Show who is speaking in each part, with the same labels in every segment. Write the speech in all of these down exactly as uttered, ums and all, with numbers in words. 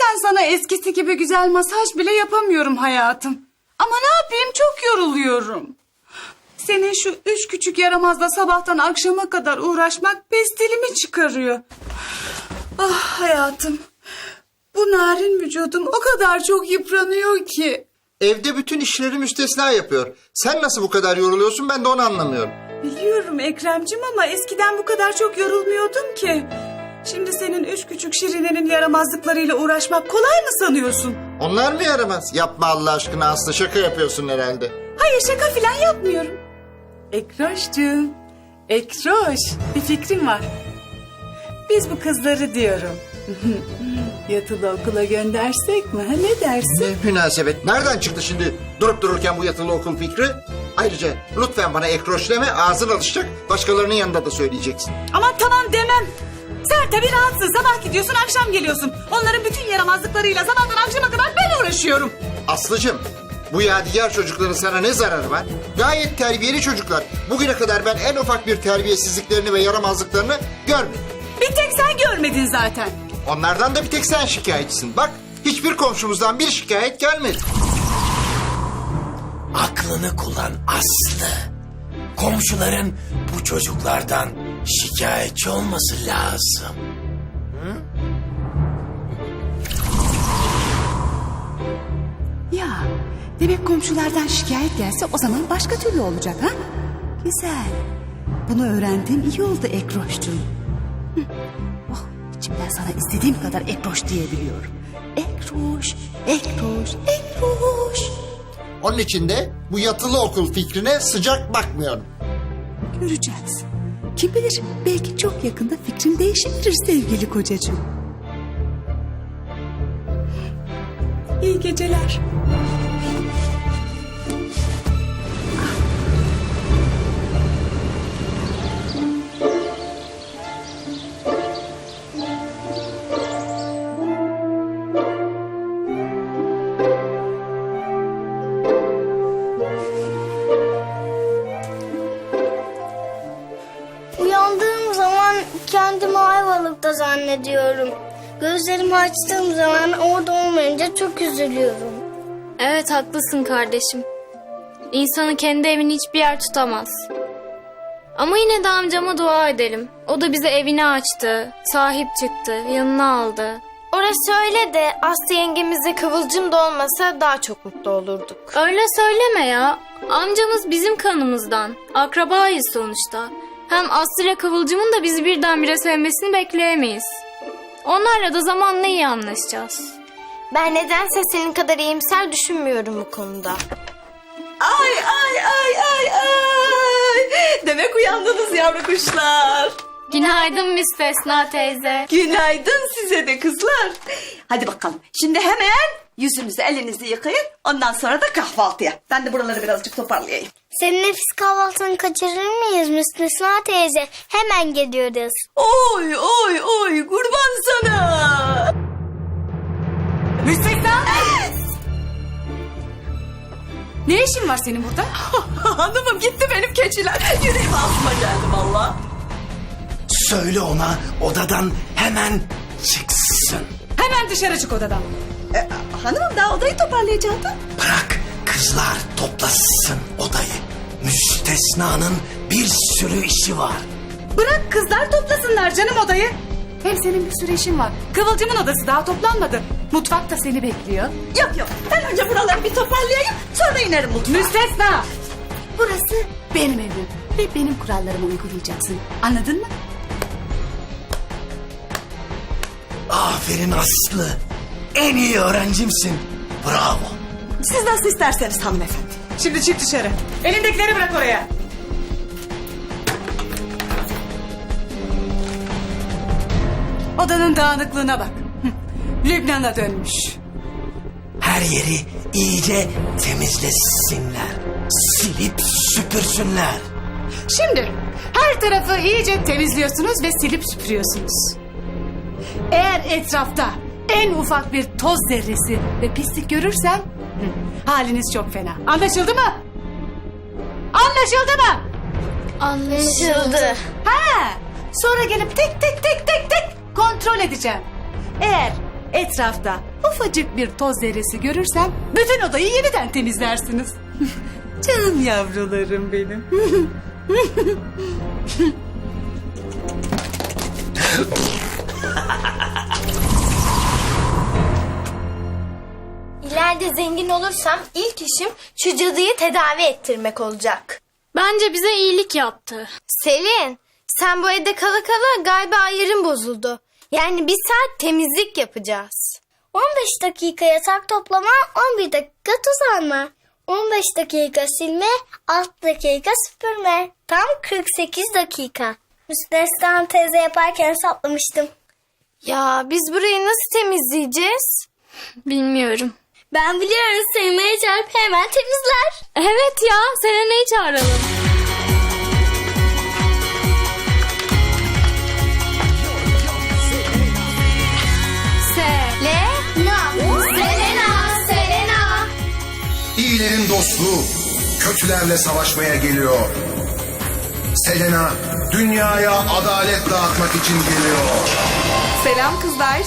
Speaker 1: Ben sana eskisi gibi güzel masaj bile yapamıyorum hayatım. Ama ne yapayım, çok yoruluyorum. Senin şu üç küçük yaramazla sabahtan akşama kadar uğraşmak pestilimi çıkarıyor. Ah hayatım. Bu narin vücudum o kadar çok yıpranıyor ki.
Speaker 2: Evde bütün işleri müstesna yapıyor. Sen nasıl bu kadar yoruluyorsun, ben de onu anlamıyorum.
Speaker 1: Biliyorum Ekremcim ama eskiden bu kadar çok yorulmuyordum ki. Şimdi senin üç küçük şirinenin yaramazlıklarıyla uğraşmak kolay mı sanıyorsun?
Speaker 2: Onlar mı yaramaz? Yapma Allah aşkına Aslı, şaka yapıyorsun herhalde.
Speaker 1: Hayır, şaka falan yapmıyorum. Ekroşcuğum, Ekroş, bir fikrim var. Biz bu kızları diyorum. Yatılı okula göndersek mi? Ha, ne dersin?
Speaker 2: Ne münasebet. Nereden çıktı şimdi durup dururken bu yatılı okul fikri? Ayrıca lütfen bana ekroş deme, ağzın alışacak. Başkalarının yanında da söyleyeceksin.
Speaker 1: Aman tamam demem. Sen tabii rahatsın. Sabah gidiyorsun, akşam geliyorsun. Onların bütün yaramazlıklarıyla sabahtan akşama kadar ben uğraşıyorum.
Speaker 2: Aslıcığım, bu yadigar çocukların sana ne zararı var? Gayet terbiyeli çocuklar. Bugüne kadar ben en ufak bir terbiyesizliklerini ve yaramazlıklarını görmedim.
Speaker 1: Bir tek sen görmedin zaten.
Speaker 2: Onlardan da bir tek sen şikayetçisin. Bak, hiçbir komşumuzdan bir şikayet gelmedi.
Speaker 3: Aklını kullan Aslı. Komşuların bu çocuklardan şikayetçi olması lazım.
Speaker 1: Ya demek komşulardan şikayet gelse o zaman başka türlü olacak ha? Güzel. Bunu öğrendiğim iyi oldu Ekroşcuğum. Hı. Oh, içimden sana istediğim kadar Ekroş diyebiliyorum. Ekroş, Ekroş, Ekroş.
Speaker 2: Onun için de bu yatılı okul fikrine sıcak bakmıyorum.
Speaker 1: Göreceğiz. Kim bilir, belki çok yakında fikrim değişebilir sevgili kocacığım. İyi geceler.
Speaker 4: Uyandığım zaman kendimi Ayvalık'ta zannediyorum. Gözlerimi açtığım zaman orada olmayınca çok üzülüyorum.
Speaker 5: Evet haklısın kardeşim. İnsanı kendi evini hiçbir yer tutamaz. Ama yine de amcama dua edelim. O da bize evini açtı, sahip çıktı, yanına aldı.
Speaker 6: Orası öyle de Aslı yengemizle Kıvılcım da olmasa daha çok mutlu olurduk.
Speaker 5: Öyle söyleme ya. Amcamız bizim kanımızdan. Akrabayız sonuçta. Hem Aslı ile Kıvılcım'ın da bizi birdenbire sevmesini bekleyemeyiz. Onlarla da zamanla iyi anlaşacağız.
Speaker 6: Ben nedense senin kadar iyimser düşünmüyorum bu konuda.
Speaker 7: Ay ay ay ay ay. Demek uyandınız yavru kuşlar.
Speaker 5: Günaydın Müstesna teyze.
Speaker 7: Günaydın size de kızlar. Hadi bakalım. Şimdi hemen yüzünüzü elinizi yıkayın. Ondan sonra da kahvaltıya. Ben de buraları birazcık toparlayayım.
Speaker 4: Senin nefis kahvaltını kaçırır mıyız Müstesna teyze? Hemen geliyoruz.
Speaker 7: Oy oy oy kurban sana.
Speaker 1: Müstesna! Ne işin var senin burada?
Speaker 7: Hanımım gitti benim keçiler. Yüreğim ağzıma geldi valla.
Speaker 3: Söyle ona odadan hemen çıksın.
Speaker 1: Hemen dışarı çık odadan.
Speaker 7: E, hanımım daha odayı toparlayacaktı.
Speaker 3: Bırak kızlar toplasın odayı. Müstesna'nın bir sürü işi var.
Speaker 1: Bırak kızlar toplasınlar canım odayı. Hem senin bir sürü işin var. Kıvılcımın odası daha toplanmadı. Mutfak da seni bekliyor.
Speaker 7: Yok yok ben önce buraları bir toparlayayım. Sonra inerim mutfağa.
Speaker 1: Müstesna! Burası benim evim. Ve benim kurallarımı uygulayacaksın. Anladın mı?
Speaker 3: Aferin Aslı. En iyi öğrencimsin. Bravo.
Speaker 7: Siz nasıl isterseniz hanımefendi.
Speaker 1: Şimdi çık dışarı. Elindekileri bırak oraya. Odanın dağınıklığına bak. Hı, Lübnan'a dönmüş.
Speaker 3: Her yeri iyice temizlesinler. Silip süpürsünler.
Speaker 1: Şimdi her tarafı iyice temizliyorsunuz ve silip süpürüyorsunuz. Eğer etrafta en ufak bir toz zerresi ve pislik görürsem hı, haliniz çok fena. Anlaşıldı mı? Anlaşıldı mı?
Speaker 5: Anlaşıldı.
Speaker 1: Ha, sonra gelip tek tek tek tek tek kontrol edeceğim. Eğer Etrafta ufacık bir toz zerresi görürsem bütün odayı yeniden temizlersiniz. Canım yavrularım benim.
Speaker 6: İleride zengin olursam ilk işim şu cadıyı tedavi ettirmek olacak.
Speaker 5: Bence bize iyilik yaptı.
Speaker 6: Selin, sen bu evde kala kala galiba ayarın bozuldu. Yani bir saat temizlik yapacağız.
Speaker 4: on beş dakika yatak toplama, on bir dakika tuz alma. on beş dakika silme, altı dakika süpürme. Tam kırk sekiz dakika. Müstesna teyze yaparken hesaplamıştım.
Speaker 6: Ya biz burayı nasıl temizleyeceğiz?
Speaker 5: Bilmiyorum.
Speaker 4: Ben biliyorum, Selena'ya çarpıp hemen temizler.
Speaker 5: Evet ya, Selena'yı çağıralım.
Speaker 6: Selena, Selena.
Speaker 8: İyilerin dostluğu kötülerle savaşmaya geliyor. Selena dünyaya adalet dağıtmak için geliyor.
Speaker 9: Selam kızlar.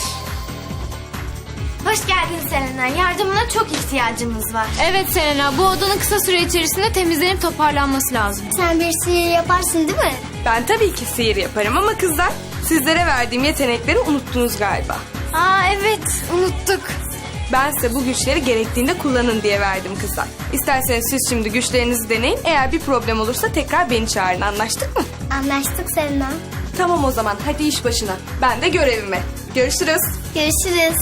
Speaker 6: Hoş geldin Selena. Yardımına çok ihtiyacımız var.
Speaker 5: Evet Selena, bu odanın kısa süre içerisinde temizlenip toparlanması lazım.
Speaker 4: Sen bir sihir yaparsın değil mi?
Speaker 9: Ben tabii ki sihir yaparım ama kızlar sizlere verdiğim yetenekleri unuttunuz galiba.
Speaker 6: Aa evet, unuttuk.
Speaker 9: Ben size bu güçleri gerektiğinde kullanın diye verdim kızlar. İsterseniz siz şimdi güçlerinizi deneyin. Eğer bir problem olursa tekrar beni çağırın. Anlaştık mı?
Speaker 4: Anlaştık Selena.
Speaker 9: Tamam o zaman hadi iş başına. Ben de görevime. Görüşürüz.
Speaker 4: Görüşürüz.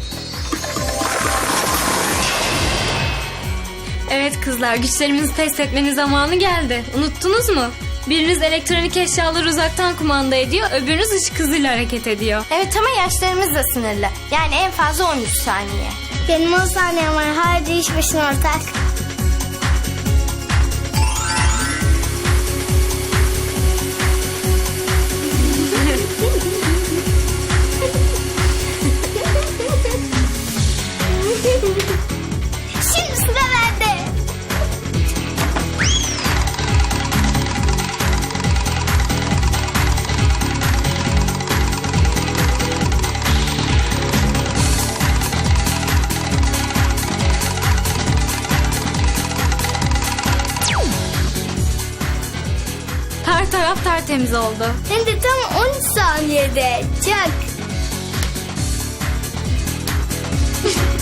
Speaker 5: Evet kızlar, güçlerimizi test etmenin zamanı geldi. Unuttunuz mu? Biriniz elektronik eşyaları uzaktan kumanda ediyor, öbürünüz ışık hızıyla hareket ediyor.
Speaker 6: Evet ama yaşlarımız da sınırlı. Yani en fazla on üç saniye.
Speaker 4: Benim on saniyem var. Hadi iş başına ortak. Şimdi sıra bende.
Speaker 5: Her taraf tertemiz oldu.
Speaker 4: Hem de tam on üç saniyede. Çak.